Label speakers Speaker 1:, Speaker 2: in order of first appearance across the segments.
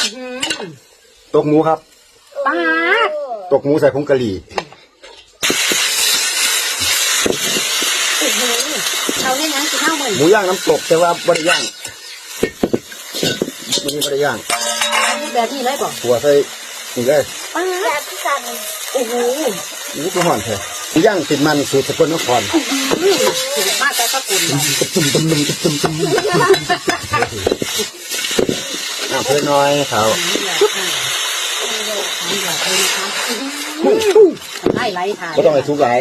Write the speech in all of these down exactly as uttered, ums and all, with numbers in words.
Speaker 1: ตกหมูครับ
Speaker 2: ปาด
Speaker 1: ตกหมูใส่ผงกะหรี่
Speaker 2: เราเล่นยังกินข้าวเหมือน
Speaker 1: หมูย่างน้ำตกแต่ว่าบริย่างมันมีบริย่าง
Speaker 2: แบบนี้เลยป่ะ
Speaker 1: หัวใส่นี่เลย
Speaker 2: ปาดที่กันโอ้โห
Speaker 1: นี่คือห่อนแท้หมูย่างติดมันสูตรสกลนคร
Speaker 2: สูตรมาแต่ก็กุน
Speaker 1: ตุ้มตุ้มตุ้มตุ้มตุ้มน้ำเพื่อน้อยเขา
Speaker 2: ไล่ไล่ถ่าย
Speaker 1: ก็ต้องให้ทุกหลาย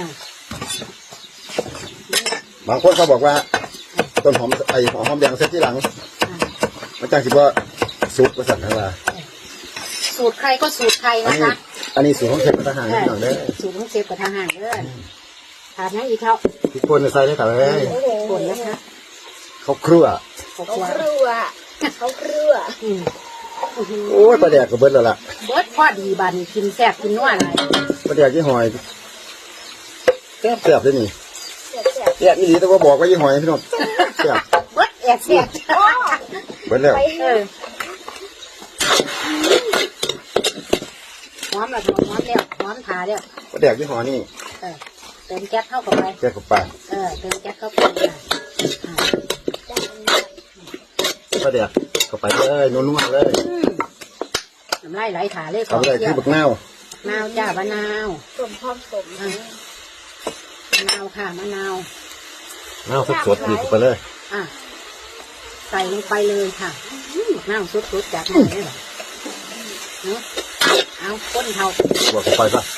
Speaker 1: บางคนเขาบอกว่าต้นหอมไอหอมแดงเซ็ตที่หลังมันจังคิดว่าซุปกระสันทั้งว่า
Speaker 2: สูตรใครก็สูตรใครนะคะ
Speaker 1: อันนี้สูตรของเชฟกระทหารนิดหน่อยเด้อ
Speaker 2: สูตรของเชฟกระทหารเด้อทานยังอีกเขา
Speaker 1: ทุกคนใส่ได้ค่ะเลย
Speaker 2: คนนะคะ
Speaker 1: เขาครัว
Speaker 2: เขาครัวเขาครัว
Speaker 1: โอ้ยปลาแดกกับเบิร์ดแล้วล่ะ
Speaker 2: เบิร์ดพอดีบันกินแซ่บกินนัวอะไร
Speaker 1: ปลาแดกยี่หอยแซ่บแซ่บเลยนี่แซ่บนี่ดีแต่ว่าบอกว่ายี่หอยพี่น้องแซ่บ
Speaker 2: เบิร์ดแอบแซ่บ
Speaker 1: เบิร์ดแล้ว
Speaker 2: หอมละหอมหอมแล้วหอมถาแล้ว
Speaker 1: ปลาแดกยี่หอยนี่
Speaker 2: เติมแก๊สเข้าไป
Speaker 1: แก๊สเข้าไป
Speaker 2: เออเติมแก๊สเข้าไป
Speaker 1: ปลาแดกเข้าไปเลยนุ่มๆเลย
Speaker 2: น้ำลายไหลถาเลย
Speaker 1: เขาเลยคือบักนาว
Speaker 2: มะนาวจ้ามะนาว
Speaker 3: สมพร้อมสม
Speaker 2: มะนาวค่ะมะนาว
Speaker 1: มะนาวสดๆดีไปเลย
Speaker 2: อ่ะใส่ลงไปเลยค่ะมะนาวสดๆจากไหนเนี่ยเนาะเอาก้นเท่า
Speaker 1: บวกเข้าไปป่ะ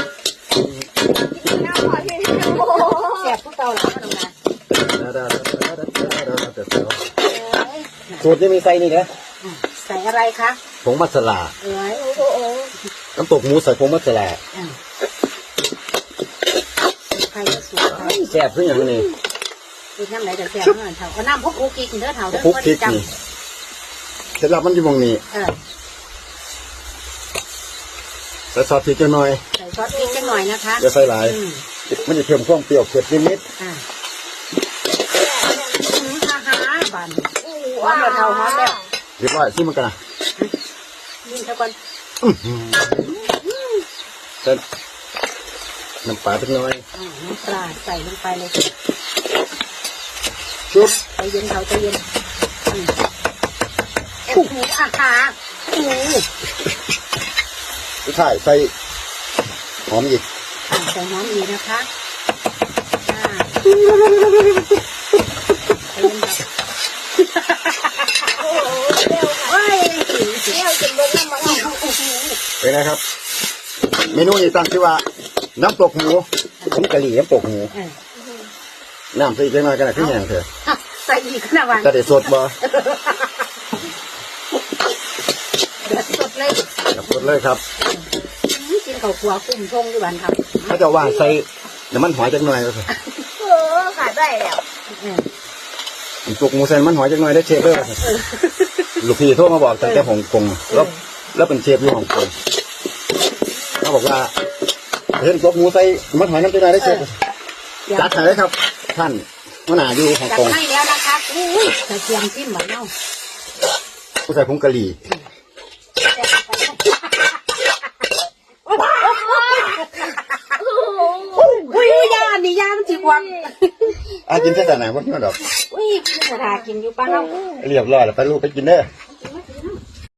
Speaker 2: แซ่บพวกเราหรอน้องนา
Speaker 1: สูตรนี้มีใส่นี่นะ
Speaker 2: ใส่อะไรคะ
Speaker 1: ผงมัสลา
Speaker 2: เอ้ย
Speaker 1: น้ำตกหมูใส่ผงมัสลา
Speaker 2: ใครก็สูตร
Speaker 1: แซ่บขึ้นอย่างนี้
Speaker 2: กินน้ำไหนจะแซ่บเท่านั้นเท่าเอาน้ำพกคุกกินเด้อเท่าเด้อ
Speaker 1: คุกกินนี่เสร็จแล้วมันอยู่มองนี้ใส่ซอสพริกหน่อย
Speaker 2: ใส่ซอสพริกหน่อยนะคะ
Speaker 1: จะใส่หลายมันจะเพิ่มความเปรี้ยวเผ็ดนิด
Speaker 2: ๆอ่าฮ่าฮ่าบันหอมแล้วเท่าหอมแล้ว
Speaker 1: เรียบร้อยซิมันกันนะ
Speaker 2: นิ่มเท่ากัน
Speaker 1: เสร็จน้ำปลาเล็กน้อย
Speaker 2: น้ำปลาใส่ลงไปเลย
Speaker 1: ชุบ
Speaker 2: ใจเย็นเท่าใจเย็นชุบอาหาร
Speaker 1: ใช่ใส่หอมอีก
Speaker 2: ใส่หอมอีกนะคะ
Speaker 1: เป็นไงครับเมนูนี้ตั้งชื่อว่าน้ำตกหมูผงกะหรี่น้ำตกหมูน้ำใส่อีกหน่อยกันนะพี่แหงเถอะ
Speaker 2: ใส่อีกนะวัน
Speaker 1: จะได้สดบ่
Speaker 2: เดือดสดเลย
Speaker 1: สดเลยครับ
Speaker 2: กินข้าวคั่วกุ้งทงด้วยวันครับ
Speaker 1: เขาจะว่าใส่น้ำมันหอยจังหน่อยก็คือ
Speaker 3: เออขาดได้แล้ว
Speaker 1: ตกหมูใส่มันหอยจังหน่อยได้เชฟเลยลูกพี่โทรมาบอกตั้งแต่ฮ่องกงแล้วแล้วเป็นเชฟอยู่ฮ่องกงเขาบอกว่าเห็นตกหมูใส่มันหอยน้ำจังหน่อยได้เชฟจัดให้เลยครับท่านมะนาวอยู่ฮ่องกง
Speaker 2: จัดให้แล้วนะคะอุ้ยใส่เทียมจิ้มเหมือนเนาะ
Speaker 1: ผู้ใส่ผงกะหรี่
Speaker 2: อุ้ยยานี่ยามันจีกวัง
Speaker 1: อากินแค่ไหนวะเนี่ยดอก
Speaker 2: อุ้ยจะทากินอยู่ป้าเรา
Speaker 1: เรียบร้อยแล้วไปลูกไปกินเด้อ